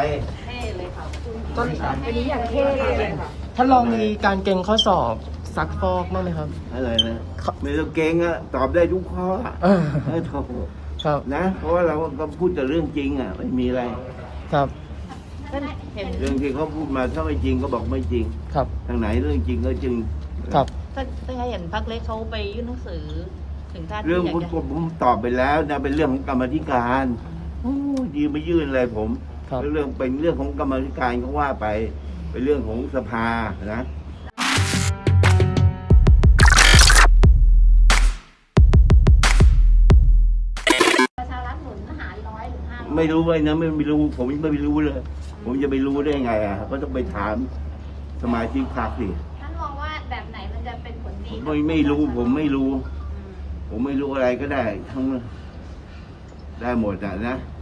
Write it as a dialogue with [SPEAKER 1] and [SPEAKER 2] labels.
[SPEAKER 1] เท่เลยค่ะ
[SPEAKER 2] ต้น
[SPEAKER 3] วันนี้อย่างเท่เลยค่ะ
[SPEAKER 2] ท่านลองมีการเก่งข้อสอบซักฟอกบ้างไหมครับ
[SPEAKER 4] อะไรนะไม่ต้องเก่งอะตอบได้ทุกข้ออะ
[SPEAKER 2] เออ
[SPEAKER 4] โถ่
[SPEAKER 2] ครับ
[SPEAKER 4] นะ เพราะว่าเราก็พูดแต่เรื่องจริงอะไม่มีอะไร
[SPEAKER 2] ครับ
[SPEAKER 1] เห็น
[SPEAKER 4] เรื่องที่เขาพูดมาถ้าไม่จริงก็บอกไม่จริง
[SPEAKER 2] ครับ
[SPEAKER 4] ทางไหนเรื่องจริงก็จริง
[SPEAKER 2] ครับ
[SPEAKER 1] ถ้าเห็นพักเล็กเขาไปยื่นหนังสือ ถึงท่าน
[SPEAKER 4] เรื่อง
[SPEAKER 1] ที่อยาก
[SPEAKER 4] ผม
[SPEAKER 1] จะ
[SPEAKER 4] ตอบไปแล้วนะเป็นเรื่องของกรรมาธิการโอ้ยืนไม่ยื่นอะไรผม
[SPEAKER 2] ครับ
[SPEAKER 4] เรื่องเป็นเรื่องของกรรมาธิการเขาว่าไปเป็นเรื่องของสภานะ
[SPEAKER 5] ประชารัฐหนุนหาร100 หรือ 500
[SPEAKER 4] ไม่รู้เลยนะไม่รู้ผมไม่รู้เลย ผมจะไปรู้ได้ไงอ่ะก็ต้องไปถามสมาชิกพรรคสิ
[SPEAKER 5] ท่านมองว่าแบบไหนมันจะเป็นผลดี
[SPEAKER 4] ไม่รู้ผมไม่รู้ ผมไม่รู้อะไรก็ได้ทั้งได้หมดอ่ะนะ